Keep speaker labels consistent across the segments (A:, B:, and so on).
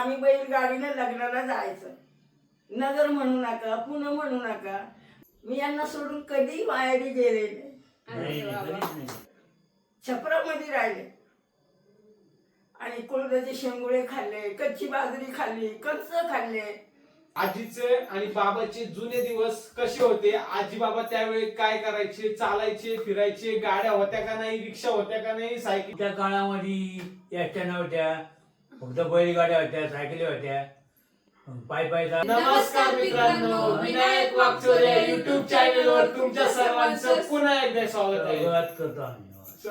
A: आम्ही बैलगाडीने लग्नाला जायचं. नगर म्हणू नका, पुणे म्हणू नका. मी यांना सोडून कधी माहेरी गेले नाही. छपरामध्ये राहिले आणि कुळदाचे शेंगुळे खाल्ले, कच्ची बाजरी खाल्ली, कंस खाल्ले.
B: आजीचे आणि बाबाचे जुने दिवस कसे होते, आजी बाबा त्यावेळी काय करायचे, चालायचे, फिरायचे, गाड्या होत्या का नाही, रिक्षा होत्या का नाही, सायकल.
C: त्या काळामध्ये एसट्या नव्हत्या, फक्त बैलगाड्या होत्या, सायकली होत्या, पाय पाय
B: नमस्कार मित्रांनो, विनायक वाकचोरे युट्यूब चॅनल वर तुमच्या सर्वांचं पुन्हा एकदा स्वागत आहे.
C: करतो आम्ही.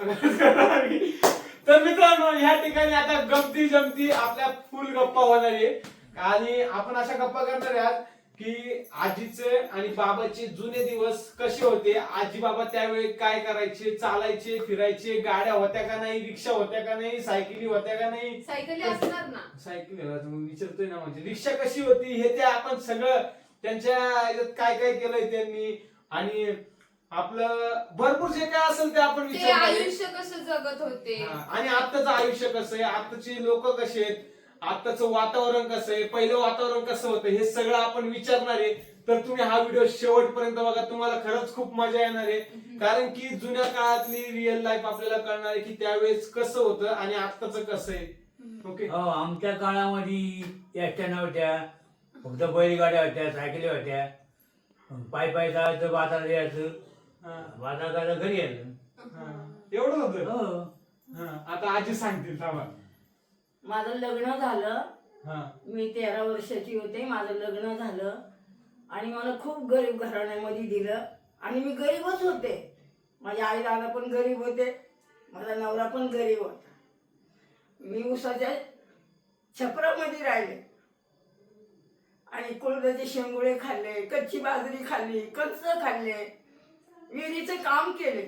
B: तर मित्रांनो, ह्या ठिकाणी आता गमती जमती आपल्या फुल गप्पा होणार आहे आणि आपण अशा गप्पा करणार आहात की आजीचे आणि बाबाचे जुने दिवस कसे होते, आजी बाबा त्यावेळी काय करायचे, चालायचे, फिरायचे, गाड्या होत्या का नाही, रिक्षा होत्या का नाही, सायकली होत्या का नाही.
D: सायकली असणार ना.
B: सायकली विचारतोय ना, म्हणजे रिक्षा कशी होती हे ते आपण सगळं त्यांच्या ह्याच्यात काय काय केलंय त्यांनी आणि आपलं भरपूर जे काय असेल ते आपण
D: ते
B: विचारणार आहे.
D: आयुष्य कसं जगत होते
B: आणि आत्ताचं आयुष्य कसं आहे, आत्ताची लोक कशी आहेत, आत्ताचं वातावरण कसं आहे, पहिलं वातावरण कसं होतं, हे सगळं आपण विचारणार आहे. तर तुम्ही हा व्हिडिओ शेवटपर्यंत बघा, तुम्हाला खरंच खूप मजा येणार आहे. कारण की जुन्या काळातली रिअल लाईफ आपल्याला कळणार आहे की त्यावेळेस कसं होतं आणि आत्ताचं कसं आहे. ओके.
C: हो, आमच्या काळामध्ये एसट्या नव्हत्या, फक्त बैलगाड्या होत्या, सायकली होत्या, पाय पाय जायचं, बाजारात यायचं, बाजार करायला घरी यायचं.
B: एवढं होतं.
C: हो.
B: आता आजी सांगतील थांबा.
A: माझं लग्न झालं,
B: हा.
A: मी 13 वर्षाची होते. माझं लग्न झालं आणि मला खूप गरीब घराण्यामध्ये दिलं आणि मी गरीबच होते. माझे आई दादा पण गरीब होते, माझा नवरा पण गरीब होता. मी उसाच्या छपरामध्ये राहिले आणि कुळदाचे शेंगुळे खाल्ले, कच्ची बाजरी खाल्ली, कंस खाल्ले, विहिरीचं काम केले.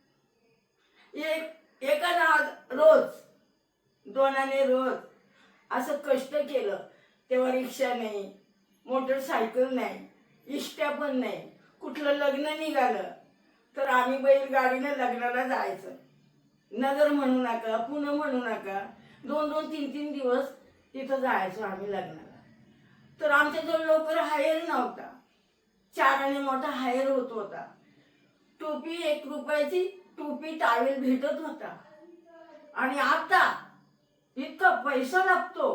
A: एकाला रोज, दोनाने रोज असं कष्ट केलं. तेव्हा रिक्षा नाही, मोटरसायकल नाही, इष्ट्या पण नाही. कुठलं लग्न निघालं तर आम्ही बैलगाडीने लग्नाला जायचं. नगर म्हणू नका, पुणे म्हणू नका. 2-2, 3-3 दिवस तिथं जायचो आम्ही लग्नाला. तर आमच्याजवळ लवकर हायर नव्हता. 4 आणे मोठा हायर होत होता. टोपी 1 रुपयाची टोपी टावेल भेटत होता. आणि आता इतका पैसा लागतो.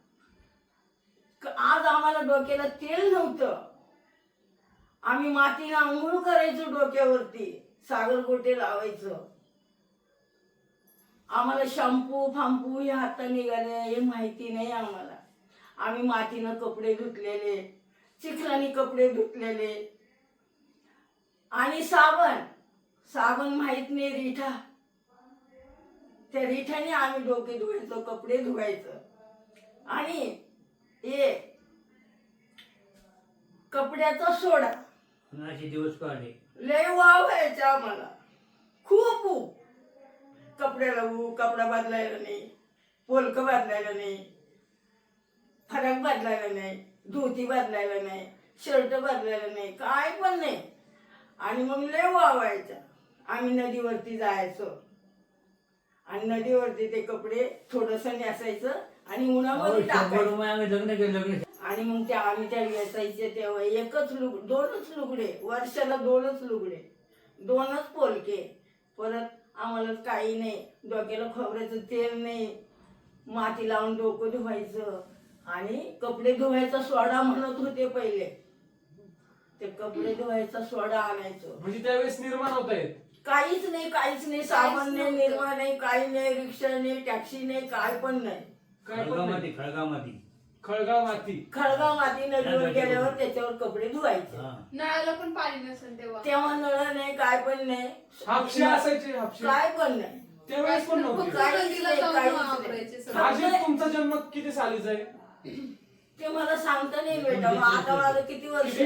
A: आज आम्हाला डोक्याला तेल नव्हतं. आम्ही मातीने आंघोळ करायचो डोक्यावरती, सागरगोटे लावायचं. आम्हाला शॅम्पू फांपू हे आता निघाले हे माहिती नाही आम्हाला. आम्ही मातीनं कपडे धुतलेले, चिखलानी कपडे धुतलेले आणि साबण माहित नाही, रिठा. त्या रिठाने आम्ही डोके धुवायचो, कपडे धुवायचं. आणि हे कपड्याचा सोडा
C: असे दिवस काढले.
A: लय वाव व्हायचा आम्हाला, खूप. कपड्याला कपडा बदलायला नाही, पोलक बदलायला नाही, फरक बदलायला नाही, धोती बदलायला नाही, शर्ट बदलायला नाही, काय पण नाही. आणि मग लय वाव व्हायचा. आम्ही नदीवरती जायचो आणि नदीवरती ते कपडे थोडस नेसायचं आणि उन्हामध्ये टाकायचं.
C: आम्ही लग्न केलं.
A: आणि मग आम्ही त्या नेसायचे तेव्हा 2च लुगडे, वर्षाला 2च लुगडे, 2च पोलके. परत आम्हाला काही नाही, डोक्याला खोबऱ्याचं तेल नाही, माती लावून डोकं धुवायचं. आणि कपडे धुवायचा सोडा म्हणत होते पहिले, ते कपडे धुवायचा सोडा आणायचो.
B: म्हणजे त्यावेळेस निर्माण होत आहेत.
A: काहीच नाही. साबण नाही, निर्मा नाही, काही नाही, रिक्षा नाही, टॅक्सी नाही, काय पण नाही. खळगाव माती नदीवर गेल्यावर त्याच्यावर कपडे धुवायचे.
D: नळाला पण पाणी नसेल
A: तेव्हा नळ नाही, काय पण नाही,
B: हापशे असायचे. हापशे
A: काय पण नाही.
B: त्यावेळेस पण नव्हते. आजी, तुमचा जन्म किती सालीचा आहे?
A: ते मला सांगता नाही बेटा. आता माझं किती वर्ष?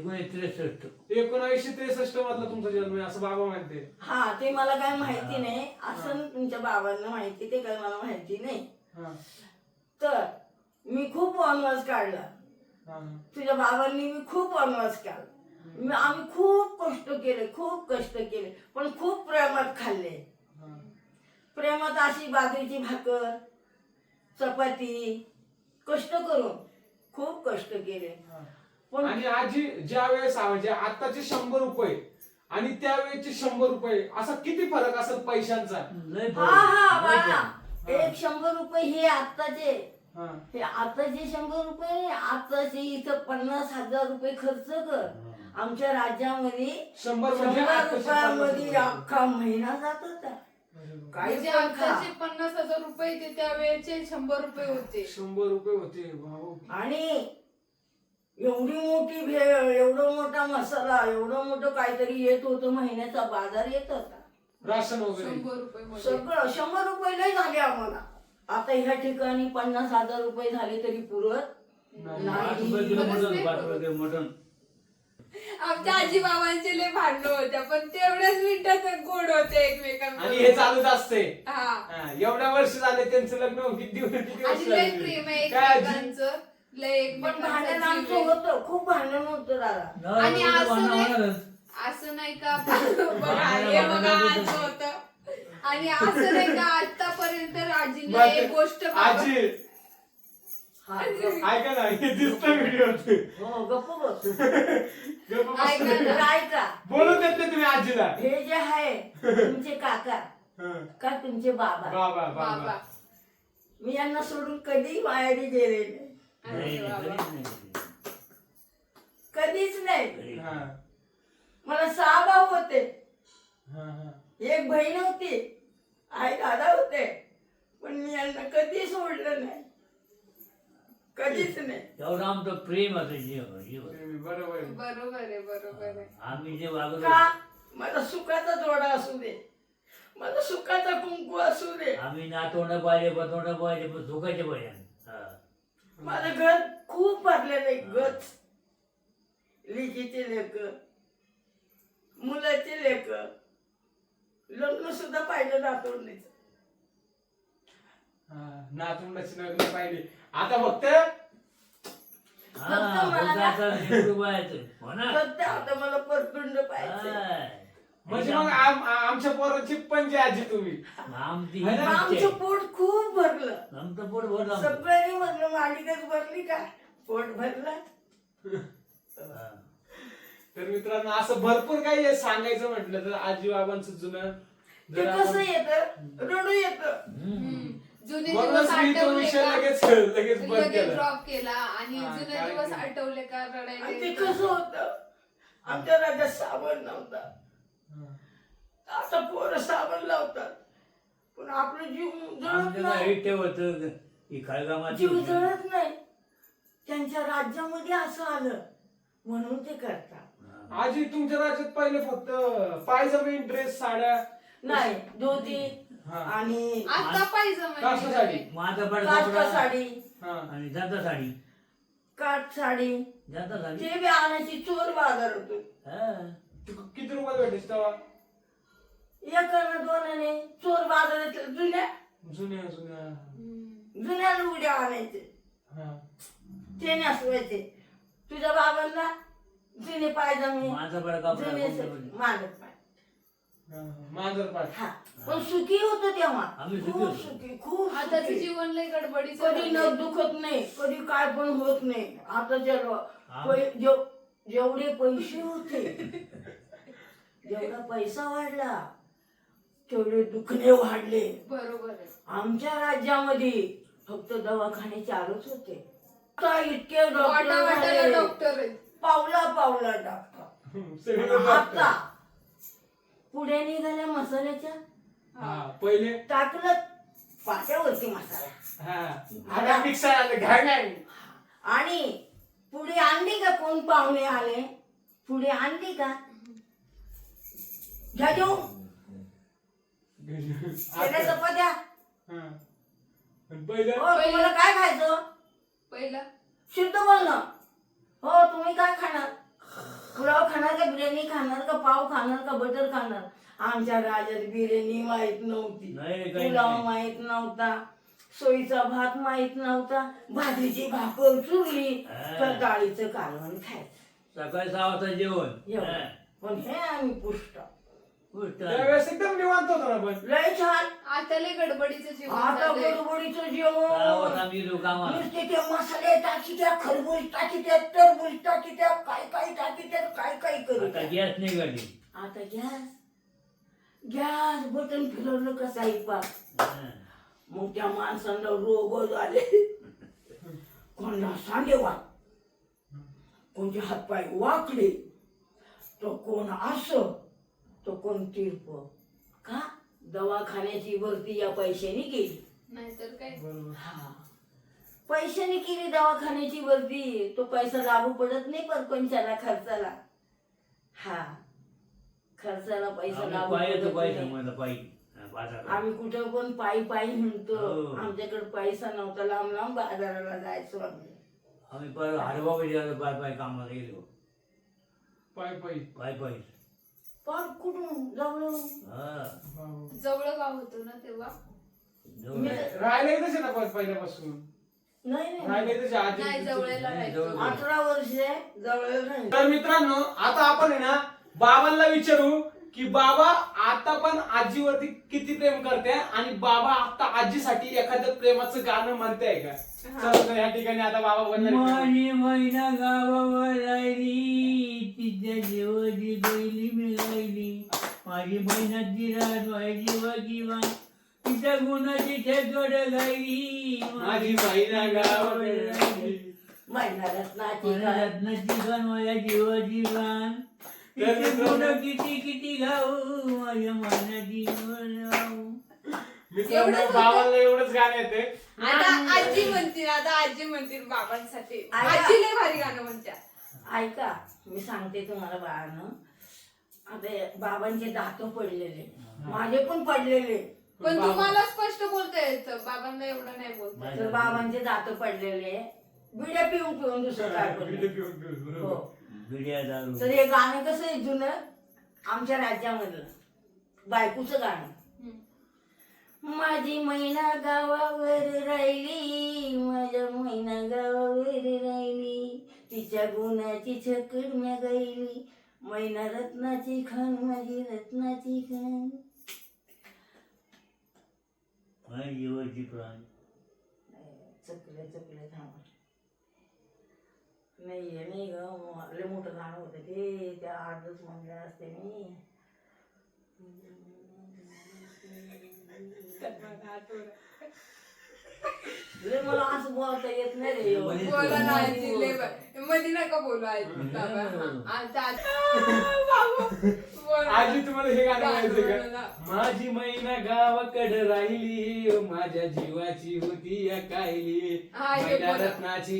B: 1963 मधला तुमचा जन्म आहे असं बाबा म्हणते.
A: हा, ते मला काय माहिती नाही. असं तुमच्या बाबांना माहिती, ते काय मला माहिती नाही. तर मी खूप वनवास काढला. तुझ्या बाबांनी मी खूप वनवास काढला. आम्ही खूप कष्ट केले, पण खूप प्रेमात खाल्ले. प्रेमात अशी बाजरीची भाकर, चपाती, कष्ट करून खूप कष्ट केले. पण
B: आणि आजी ज्या वेळेस म्हणजे आताचे 100 रुपये आणि त्यावेळेचे 100 रुपये असा किती फरक असेल पैशांचा?
C: लय
A: हा हा
C: फरक, लय
A: बाळा,
C: फरक.
A: एक 100 रुपये हे आत्ताचे,
B: हा.
A: हे आताचे 100 रुपये, आताचे इथं 50,000 रुपये खर्च कर. आमच्या राज्यामध्ये
B: 100 म्हणजे
A: 100
B: आताचे 50
A: रुपयामध्ये
B: रुपये.
A: अख्खा महिना जात होता. काही
D: म्हणजे
A: पण खा.
D: आताचे 50,000 रुपये ते त्यावेळेचे 100 रुपये होते.
B: 100 रुपये होते भाऊ.
A: आणि एवढी मोठी भेळ, एवढा मोठा मसाला, एवढं मोठं काहीतरी येत होतं, महिन्याचा बाजार येत होता.
B: राशन वगैरे
D: 100 रुपये मध्ये.
A: सगळं 100 रुपये लय झाले आम्हाला. आता ह्या ठिकाणी 50,000 रुपये झाले तरी पुरत
B: नाही.
C: 5 रुपये किलो मटण, 5 रुपये किलो मटण.
D: आमच्या आजी बाबांचे लय भांडणं होत्या पण तेवढ्याच मिनिटात गोड होते एकमेकांना.
B: आणि हे चालूच असते.
D: हा.
B: हा, एवढ्या वर्ष झाले त्यांचं लग्न होऊन किती वर्ष
D: आणि लय
B: झाले?
D: प्रेम आहे
B: काय आजी?
D: एकमेकांचं. लय
A: पण भांडण
D: एकमेकांचं
A: आमचं
D: जीव आहे.
A: होतं, खूप भांडण होतं दादा.
D: आणि
C: नवरा
D: असं
C: बायको
D: नाही-
C: भांडणारच.
D: असं नाही का बघा हे बघा असं होतं. आणि असं नाही का आतापर्यंत आजीला एक गोष्ट
B: आजी
A: हा, गप्प.
B: ऐका ना, हे दिसतं व्हिडिओ.
A: हो गप्प बस.
D: ऐका ना.
A: तर ऐका,
B: बोलू देत नाही तुम्ही आजीला.
A: हे जे आहे तुमचे काका
B: हा.
A: का तुमचे बाबा,
B: बाबा
D: बाबा.
B: बाबा.
A: मी यांना सोडून कधी माहेरी गेले नाही,
C: नाही,
D: अरे
C: नाही,
D: बाबा.
C: नाही.
A: कधीच नाही.
B: हा.
A: मला 6 भाऊ होते,
B: हा, हा.
A: एक बहीण होती, आई दादा होते, पण मी यांना कधी सोडलं नाही, कधीच नाही.
C: एवढं आमचं प्रेम असं जीव.
B: बरोबर आहे.
D: बरोबर आहे बरोबर आहे.
C: आम्ही जे वागलो
A: का मला सुखाचा जोडा असू दे, मला सुखाचा कुंकू असू दे,
C: आम्ही नातवंड पाहिजे, पतवंड पाहिजे, पण सुखाचे पाहिजे. हा.
A: माझं घर खूप भरलेलं आहे. गच लिकीचे लेक, मुलाचे लेक, लग्न सुद्धा पाहिलं नातवंडीचं.
B: नातवंडाची लग्न पाहिजे. आता फक्त
C: हा,
A: मला
C: फक्त
A: ना-
C: आता लेकरू पाहायचं. हो ना?
A: सध्या आता मला परतुंड पाहिजे.
C: हा.
B: म्हणजे मग आमच्या पोराची पंजे आजी तुम्ही.
C: आमची
B: है
C: ही
B: ना?
C: इच्छा आहे.
A: आमचं पोट खूप भरलं,
C: आमचं पोट भरलं आमचं.
A: सगळ्यांनी भरलं. मालिकच भरली का, पोट भरलं.
C: हा.
B: तर मित्रांनो असं भरपूर काही आहे सांगायचं म्हटलं तर आजी बाबांचं जुनं
A: ते
B: जर
A: कसं
B: आपण-
A: येतं, रडू येतं.
C: हम्म.
D: जुने
B: म्हणूनच
D: दिवस
B: मी तो
D: आठवले
B: विषय
D: का
B: लगेच बंद
D: लगेच
B: केला.
D: ड्रॉप केला आणि
B: हा,
D: जुने
B: काय
D: दिवस
B: केलं?
D: आठवले का रडायला
A: आणि ते
D: येतं.
A: कसं होतं, आमच्या राज्यात साबण नव्हता. आता पोरं साबण लावतात, पण आपलं जीव जळत
C: आमचं
A: नाही,
C: हे होतं ही खळगामाची
A: जीव
C: होती.
A: जळत नाही. त्यांच्या राज्यामध्ये असं आलं म्हणून ते करतात.
C: हा.
B: आजी तुमच्या राज्यात पहिले फक्त पायजमे ड्रेस साड्या
A: नाही, धोती
B: हा.
A: आणि
D: आता पाहिजे
B: काष्टासाठी.
D: म्हणजे
C: माझा पड
A: काष्टा
C: कपडा
A: साडी,
B: हा.
C: आणि जाता साडी.
A: काठ साडी,
C: जाता साडी.
A: ते बी आणायची चोर बाजार होतो.
C: हा.
B: किती रुपयाला भेटायचे तेव्हा?
A: एकानं दोनाने चोर बाजारात जुन्या
B: जुन्या जुन्या.
A: जुन्या लुगड्या आणायचे,
B: हा.
A: ते नेसवायचे. तुझ्या बाबांना जुने पायजमे,
C: माझा पड कपडा
A: जुने
C: कोणता
A: मागत पाय.
B: हा. मांजरपाट.
A: हा, पण सुखी होतो तेव्हा,
C: आम्ही सुखी
A: खूप
C: होतो.
A: सुखी, खूप
D: आताचं
A: सुखी.
D: जीवन लय गडबडीचं
A: कधी
D: झालंय.
A: न दुखत नाही, कधी काय पण होत नाही. आताच्या
C: हा.
A: जेवढे पैसे होते, जेवढा पैसा वाढला तेवढे दुखणे वाढले.
D: बरोबर आहे.
A: आमच्या राज्यामध्ये फक्त दवाखाने चालूच होते. आता इतके
D: वाटा वाटाला
A: डॉक्टर
D: डॉक्टर आहेत.
A: पावला पावला डॉक्टर.
B: सगळे
A: आणि
B: डॉक्टर.
A: आता पुढे निघाल्या मसाल्याच्या,
B: हा. पहिले
A: टाकलं पाट्यावरती मसाला
B: हा. आता मिक्सर आलं घाण आहे.
A: आणि पुढे आणली का, कोण पाहुणे आले पुढे आणली का, घ्या जेवून त्याला चपात्या.
B: हा. आणि पहिलं
A: हो, तुम्हाला काय खायचं,
D: पहिला
A: शुद्ध बोलणं. हो, तुम्ही काय खाणार, पुलाव खाणार का, बिर्याणी खाणार का, पाव खाणार का, बटर खाणार. आमच्या राज्यात बिर्याणी माहित नव्हती,
C: नाही, काही
A: पुलाव
C: नाही.
A: माहित नव्हता, सोयीचा भात माहित नव्हता, भाजरीची भाकर चुरली तर डाळीचं कालवण खायचं.
C: सकाळी 6 वाजता जेवण.
A: एवढं.
C: हा.
A: पण हे आम्ही पुष्ट
B: त्यावेळेस एकदम निवांत होतो ना पण.
A: लय छान.
D: आता लय गडबडीचं जीवन
A: आता
D: चाललंय.
A: गडबडीचं जेवण नुसते ते मसाले टाकीत्या, खरबूज टाकीत्या, टरबूज टाकीत्या, काय टाकीत्या, काय करू.
C: गॅस नाही गाडी.
A: आता गॅस बटन फिरवलं कसं ऐकपा. मग त्या माणसांना रोग झाले. कोणाला सांडेवा, कोणते हातपाय वाकले, तो कोण असं, तो कोण तिरप. का दवाखान्याची भरती या पैशाने केली.
D: नाहीतर काय.
A: हा, पैशाने केली दवाखान्याची भरती. तो पैसा लागू पडत नाही परपंचाला, खर्चाला. हा, खर्चाला पैसा लागू पडत नाही. आम्ही कुठं पण पायी म्हणतो. आमच्याकडे पैसा नव्हता, लांब बाजाराला जायचो आम्ही
C: पाय कामाला गेलो.
B: पाय
A: पण कुठून जवळ.
D: जवळ गाव होतं ना तेव्हा.
B: राहिले तसे ना पहिल्यापासून.
A: नाही
D: नाही जवळला राहायचो.
A: 18 वर्ष जवळ नाही.
B: तर मित्रांनो, आता आपण आहे ना बाबांना विचारू की बाबा आता पण आजीवरती किती प्रेम करते आणि बाबा आता आजीसाठी एखादं प्रेमाचं गाणं म्हणताय का. चला तर या ठिकाणी आता बाबा बनणार.
C: माझी महिना गावावर राहिली, तिच्या जीवाची बैली मिळाली. माझी महिन्याची रात व्हायची वाजीवा, तिच्या गुणाची ठेकड गायली.
B: माझी महिना गावावर राहिली.
A: महिना रत्नाची
C: रत्नाची गाण माझ्या जीवाची गाण. किती गाऊ माझ्या महिन्याची गाऊ.
B: मित्रांनो, बाबांना एवढंच गाणं येते.
D: आता आजी म्हणतील बाबांसाठी. आजी लय भारी गाणं म्हणतात.
A: ऐका, मी सांगते तुम्हाला बाळानं. आता बाबांचे दात पडलेले, माझे पण पडलेले.
D: पण तुम्हाला स्पष्ट बोलता येतं, बाबांना एवढं नाही बोलता.
A: तर बाबांचे दात पडलेले, बिड्या पिऊन दुसरं काय पडलं. हो. तर हे गाणं कसं आहे जुनं, आमच्या राज्यामधलं बायकोचं गाणं. माझी मैना गावावर राहिली, माझ्या मैना गावावर राहिली, तिच्या गुणाची छकड म्या गायली. मैना रत्नाची खान, माझी रत्नाची खान.
C: जीवाची प्राण.
A: चुकले थांबा. नाही ग, लय मोठं गाणं होतं ते, त्या अर्धच म्हणलं असते मी. मला असं बोलता येत नाही रे.
D: बोला ना आजी, लय भारी. मध्ये नका बोलू आजी.
B: आजी तुम्हाला हे गाणं म्हणायचं का. माझी मैना गावाकडे राहिली, माझ्या जीवाची होती या कायली. मैना रत्नाची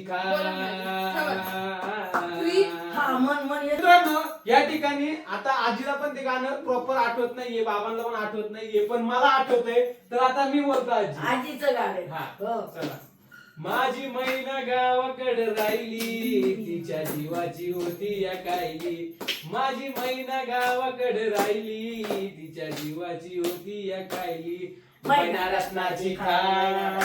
B: मित्रांनो, या ठिकाणी आता आजीला पण ते गाणं प्रॉपर आठवत नाहीये, बाबांना पण आठवत नाहीये, पण मला आठवतंय. तर आता मी बोलतो
A: आजीचं गाणं.
B: हा, चला. माझी मैना गावाकडे राहिली, तिच्या जीवाची होती या कायली. माझी मैना गावाकडे राहिली, तिच्या जीवाची होती या कायली. मैना रत्नाची खान,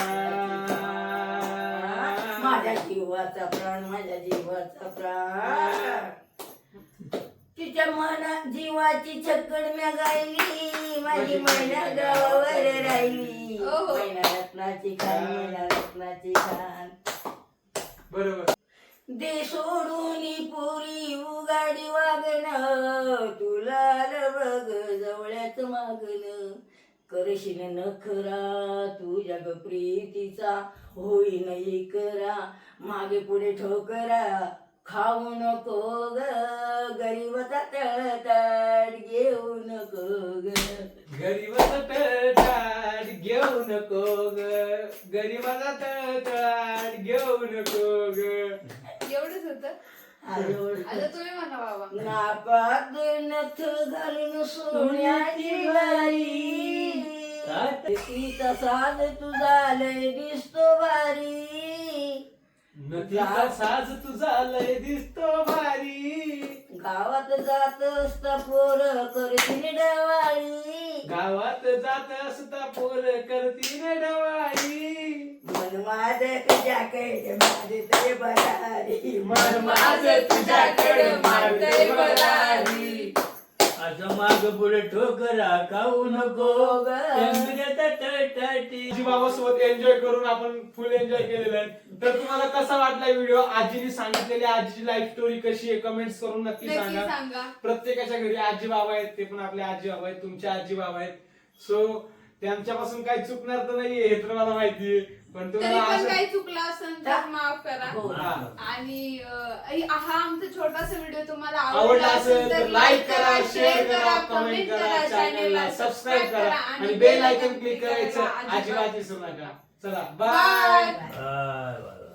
A: माझ्या जीवाचा प्राण, माझ्या जीवाचा प्राण. तिच्या मना जीवाची छकड म्या गायली, माझी मैना गावावर राहिली. मैना रत्नाची खान, मैना रत्नाची खान.
B: बरोबर.
A: दे सोडून पुरी उगाडी वागणं, तुला बघ जवळ्याच मागणं. करशील नखरा तुझ्या ग प्रीतीचा, होईन इकरा मागे पुढे ठोकरा. खाऊ नको ग गरीबाचा तळतळ, घेऊ नको ग
B: गरीबाचा तळतळ, घेऊ नको ग गरीबाचा तळतळ, घेऊ नको ग.
D: एवढंच होतं. आता तुम्ही म्हणा बाबा.
A: नापात नथ घालून सोन्याची बारी, तिचा साज तुझा लय दिसतो भारी.
B: नदीचा साज तुझा लय दिसतो भारी.
A: गावात जात असता पोर करतीन डवाळी,
B: गावात जात असता पोर करतीन डवाळी.
A: मन माझ तुझ्याकडे मारते बरारी,
B: मन माझ तुझ्याकडे मारते बरारी.
C: असं माग पुढे ठोकरा खाऊ नको
A: हो ग.
B: आजी बाबा सोबत एन्जॉय करून आपण फुल एन्जॉय केलेलं आहे. तर तुम्हाला कसा वाटला व्हिडिओ, आजीने सांगितलेली आजीची लाईफ स्टोरी कशी आहे, कमेंट्स करून नक्की
D: नक्की
B: सांगा.
D: सांगा.
B: प्रत्येकाच्या घरी आजी बाबा आहेत, ते पण आपले आजी बाबा आहेत, तुमचे आजी बाबा आहेत. सो त्यांच्यापासून काही चुकणार तर नाहीये हे तर मला माहितीये, पण
D: तरी
B: तुम्हाला
D: पण
B: असं
D: काही चुकलं असेल तर माफ करा.
A: हो.
B: हा.
D: आणि हा आमचा छोटासा व्हिडिओ तुम्हाला
B: आवडला असेल तर लाईक करा, शेअर करा, कमेंट करा, चॅनलला सबस्क्राईब करा आणि बेल आयकॉन क्लिक करायचं अजिबात विसरू नका. चला बाय.
D: बाय.